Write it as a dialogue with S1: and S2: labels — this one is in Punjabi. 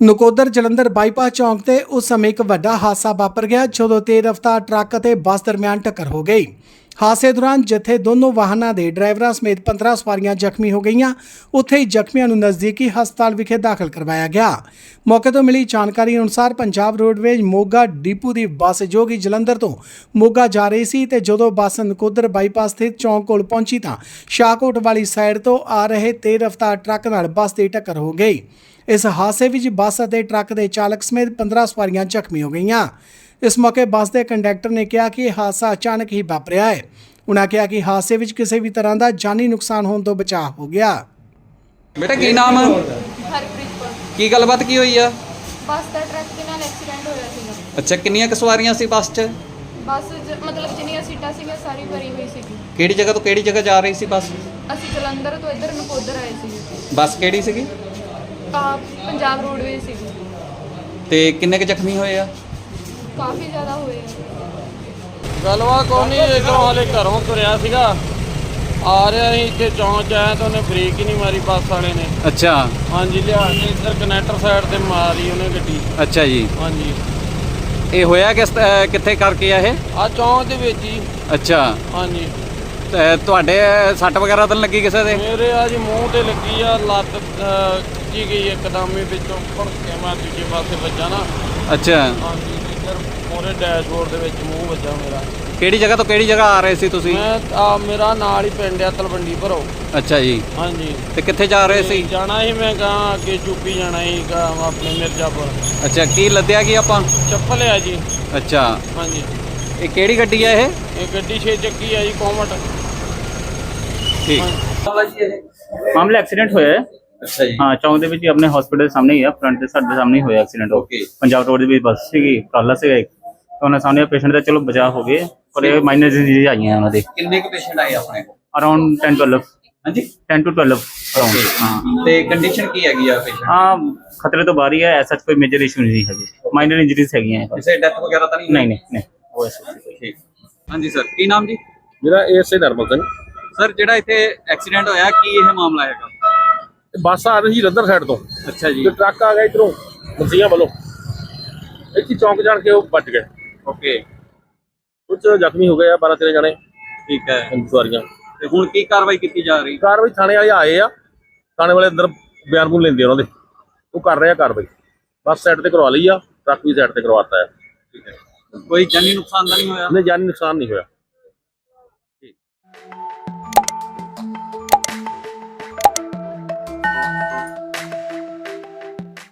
S1: ਨਕੋਦਰ ਜਲੰਧਰ ਬਾਈਪਾਸ ਚੌਂਕ ਤੇ ਉਸ ਸਮੇਂ ਇੱਕ ਵੱਡਾ ਹਾਦਸਾ ਵਾਪਰ ਗਿਆ ਜਦੋਂ ਤੇਜ਼ ਰਫ਼ਤਾਰ ਟਰੱਕ ਅਤੇ ਬੱਸ ਦਰਮਿਆਨ ਟੱਕਰ ਹੋ ਗਈ। ਹਾਦਸੇ ਦੌਰਾਨ ਜਿੱਥੇ ਦੋਨੋਂ ਵਾਹਨਾਂ ਦੇ ਡਰਾਈਵਰਾਂ ਸਮੇਤ 15 ਸਵਾਰੀਆਂ ਜ਼ਖਮੀ ਹੋ ਗਈਆਂ, ਉੱਥੇ ਹੀ ਜ਼ਖਮੀਆਂ ਨੂੰ ਨਜ਼ਦੀਕੀ ਹਸਪਤਾਲ ਵਿਖੇ ਦਾਖਲ ਕਰਵਾਇਆ ਗਿਆ। ਮੌਕੇ ਤੋਂ ਮਿਲੀ ਜਾਣਕਾਰੀ ਅਨੁਸਾਰ ਪੰਜਾਬ ਰੋਡਵੇਜ਼ ਮੋਗਾ ਡਿਪੂ ਦੀ ਬੱਸ ਜੋ ਕਿ ਜਲੰਧਰ ਤੋਂ ਮੋਗਾ ਜਾ ਰਹੀ ਸੀ ਤੇ ਜਦੋਂ ਬੱਸ ਨਕੋਦਰ ਬਾਈਪਾਸ ਸਥਿਤ ਚੌਂਕ ਕੋਲ ਪਹੁੰਚੀ ਤਾਂ ਸ਼ਾਹਕੋਟ ਵਾਲੀ ਸਾਈਡ ਤੋਂ ਆ ਰਹੇ ਤੇਜ਼ ਰਫ਼ਤਾਰ ਟਰੱਕ ਨਾਲ ਬੱਸ ਦੀ ਟੱਕਰ ਹੋ ਗਈ। इस हादसे में बस और ट्रक के चालक समेत 15 सवारियां जख्मी हो गई। इस मौके बस के कंडक्टर ने कहा कि हादसा अचानक ही वापरिया है। उन्होंने कहा कि हादसे में किसी भी तरह का जानी नुकसान होने तो बचाव हो गया।
S2: बेटा की नाम है?
S3: हरप्रीत कौर।
S2: की गलबात की हुई है?
S3: बस का ट्रक के नाल एक्सीडेंट होया सीगा।
S2: अच्छा कितनी क सवारियां सी बस च?
S3: बस मतलब जिन्नियां सीटां सीगियां सारी भरी हुई सीगी।
S2: किहड़ी जगह तो किहड़ी जगह जा रही सी बस?
S3: ਅਸੀਂ ਜਲੰਧਰ ਤੋਂ ਇੱਧਰ ਨਕੋਦਰ ਆਏ ਸੀਗੇ।
S2: बस किहड़ी सीगी?
S3: ਪੰਜਾਬ ਰੋਡਵੇਜ਼ ਸੀਗੀ।
S2: ਤੇ ਕਿੰਨੇ ਕ ਜ਼ਖਮੀ ਹੋਏ ਆ?
S3: ਕਾਫੀ ਜ਼ਿਆਦਾ ਹੋਏ ਆ।
S4: ਗੱਲਬਾਤ ਕੋਈ ਨਹੀਂ, ਇੱਧਰੋਂ ਹਾਲੇ ਘਰੋਂ ਤੁਰਿਆ ਸੀਗਾ, ਆ ਰਿਹਾ ਸੀ ਇੱਥੇ ਚੌਂਕ 'ਚ ਆਇਆ ਤਾਂ ਉਹਨੇ ਬ੍ਰੇਕ ਹੀ ਨਹੀਂ ਮਾਰੀ ਬੱਸ ਵਾਲੇ ਨੇ।
S2: ਅੱਛਾ
S4: ਹਾਂਜੀ, ਲਿਆ ਕੇ ਇੱਧਰ ਕਨੈਕਟਰ ਸਾਈਡ ਤੇ ਮਾਰੀ ਉਹਨੇ ਗੱਡੀ।
S2: ਅੱਛਾ ਜੀ,
S4: ਹਾਂਜੀ,
S2: ਇਹ ਹੋਇਆ ਕਿੱਥੇ ਕਰਕੇ ਆ ਇਹ?
S4: ਆ ਚੌਂਕ ਦੇ ਵਿੱਚ ਹੀ।
S2: ਅੱਛਾ,
S4: ਹਾਂਜੀ,
S2: ਤੇ ਤੁਹਾਡੇ ਸੱਟ ਵਗੈਰਾ ਤਾਂ ਨੀ ਲੱਗੀ ਕਿਸੇ ਦੇ?
S4: ਮੇਰੇ ਆ ਜੀ ਮੂੰਹ ਤੇ ਲੱਗੀ ਆ, ਲੱਤ ਖਿੱਚੀ ਗਈ ਇੱਕਦਮ ਹੀ, ਵਿੱਚੋਂ ਫੜ ਕੇ ਮੈਂ ਦੂਜੇ ਪਾਸੇ ਵੱਜਾ ਨਾ।
S2: ਅੱਛਾ,
S4: ਹਾਂਜੀ, ਇੱਧਰ ਮੋਰੇ ਡੈਸ਼ਬੋਰਡ ਦੇ ਵਿੱਚ ਮੂੰਹ ਵੱਜਾ ਮੇਰਾ।
S2: ਕਿਹੜੀ ਜਗ੍ਹਾ ਤੋਂ ਕਿਹੜੀ ਜਗ੍ਹਾ ਆ ਰਹੇ ਸੀ ਤੁਸੀਂ?
S4: ਮੈਂ ਮੇਰਾ ਨਾਲ ਹੀ ਪਿੰਡ ਆ ਤਲਵੰਡੀ ਭਰੋ।
S2: ਅੱਛਾ ਜੀ,
S4: ਹਾਂਜੀ,
S2: ਤੇ ਕਿੱਥੇ ਜਾ ਰਹੇ ਸੀ?
S4: ਜਾਣਾ ਸੀ ਮੈਂ ਕਹਾਂ ਅੱਗੇ ਯੂਪੀ ਜਾਣਾ ਸੀ ਆਪਣੇ ਮਿਰਜ਼ਾਪੁਰ।
S2: ਅੱਛਾ, ਕੀ ਲੱਦਿਆ ਕੀ ਆਪਾਂ?
S4: ਚੱਪਲ ਆ ਜੀ।
S2: ਅੱਛਾ,
S4: ਹਾਂਜੀ,
S2: ਇਹ ਕਿਹੜੀ ਗੱਡੀ ਆ ਇਹ?
S4: ਇਹ ਗੱਡੀ 6 ਚੱਕੀ ਆ ਜੀ, ਕੋਮਟ।
S2: ਠੀਕ
S5: ਮਾਮਲਾ ਐਕਸੀਡੈਂਟ ਹੋਇਆ ਹੈ।
S2: ਅੱਛਾ ਜੀ,
S5: ਹਾਂ, ਚੌਂਕ ਦੇ ਵਿੱਚ ਹੀ ਆਪਣੇ ਹਸਪੀਟਲ ਦੇ ਸਾਹਮਣੇ ਹੀ ਆ, ਫਰੰਟ ਦੇ ਸਾਡੇ ਸਾਹਮਣੇ ਹੀ ਹੋਇਆ ਐਕਸੀਡੈਂਟ।
S2: ਓਕੇ।
S5: ਪੰਜਾਬ ਰੋਡ ਦੇ ਵਿੱਚ ਬੱਸ ਸੀਗੀ, ਕਾਲਾ ਸੀਗਾ ਇੱਕ, ਤਾਂ ਉਹਨਾਂ ਸਾਹਮਣੇ ਪੇਸ਼ੈਂਟ ਦਾ ਚਲੋ ਬਚਾਅ ਹੋ ਗਏ, ਪਰ ਇਹ ਮਾਈਨਰ ਡਿਜ਼ੀਜ਼ ਆਈਆਂ ਉਹਨਾਂ ਦੇ।
S2: ਕਿੰਨੇ ਕ ਪੇਸ਼ੈਂਟ ਆਏ ਆਪਣੇ ਕੋਲ?
S5: ਅਰਾਊਂਡ 10 12।
S2: ਹਾਂਜੀ,
S5: 10 to 12 ਅਰਾਊਂਡ। ਹਾਂ,
S2: ਤੇ ਕੰਡੀਸ਼ਨ ਕੀ ਹੈਗੀ ਆ ਪੇਸ਼ੈਂਟ?
S5: ਹਾਂ, ਖਤਰੇ ਤੋਂ ਬਾਹਰ ਹੀ ਹੈ, ਐਸਾ ਕੋਈ ਮੇਜਰ ਇਸ਼ੂ ਨਹੀਂ ਹੈਗੇ, ਮਾਈਨਰ ਇੰਜਰੀਜ਼ ਹੈਗੀਆਂ ਬਸ।
S2: ਕਿਸੇ ਡੈਥ ਵਗੈਰਾ ਤਾਂ ਨਹੀਂ?
S5: ਨਹੀਂ ਉਹ ਐਸਾ
S2: ਠੀਕ। ਹਾਂਜੀ ਸਰ, ਕੀ ਨਾਮ ਜੀ?
S6: ਮੇਰਾ ਏਐਸਏ ਨਰਮਲ ਸਿੰਘ।
S2: ਸਰ, ਜਿਹੜਾ ਇੱਥੇ ਐਕਸੀਡੈਂਟ ਹੋਇਆ ਕੀ ਇਹ ਮਾਮਲਾ ਹੈਗਾ?
S6: ਬੱਸ ਆ ਰਹੀ ਸੀ ਜਲੰਧਰ ਸਾਈਡ ਤੋਂ
S2: ਅੱਛਾ ਜੀ,
S6: ਤੇ ਟਰੱਕ ਆ ਗਿਆ ਇਧਰੋਂ ਮਸੀਆਂ ਵੱਲੋਂ, ਇੱਥੇ ਚੌਂਕ ਜਾਣ ਕੇ ਉਹ ਵੱਜ ਗਏ।
S2: ਓਕੇ,
S6: ਕੁਝ ਜ਼ਖਮੀ ਹੋ ਗਏ ਆ, 12 13 ਜਣੇ
S2: ਠੀਕ ਹੈ।
S6: ਸਵਾਰੀਆਂ।
S2: ਤੇ ਹੁਣ ਕੀ ਕਾਰਵਾਈ ਕੀਤੀ ਜਾ ਰਹੀ?
S6: ਕਾਰਵਾਈ ਥਾਣੇ ਵਾਲੇ ਆਏ ਆ, ਥਾਣੇ ਵਾਲੇ ਅੰਦਰ ਬਿਆਨ ਬੂਨ ਲੈਂਦੇ ਉਹਨਾਂ ਦੇ, ਉਹ ਕਰ ਰਹੇ ਆ ਕਾਰਵਾਈ। ਬੱਸ ਸਾਈਡ ਤੇ ਕਰਵਾ ਲਈ ਆ, ਟਰੱਕ ਵੀ ਸਾਈਡ ਤੇ ਕਰਵਾਤਾ ਹੈ।
S2: ਠੀਕ ਹੈ, ਕੋਈ ਜਾਨੀ ਨੁਕਸਾਨ ਤਾਂ ਨਹੀਂ ਹੋਇਆ?
S6: ਨਹੀਂ, ਜਾਨੀ ਨੁਕਸਾਨ ਨਹੀਂ ਹੋਇਆ।
S2: ਠੀਕ।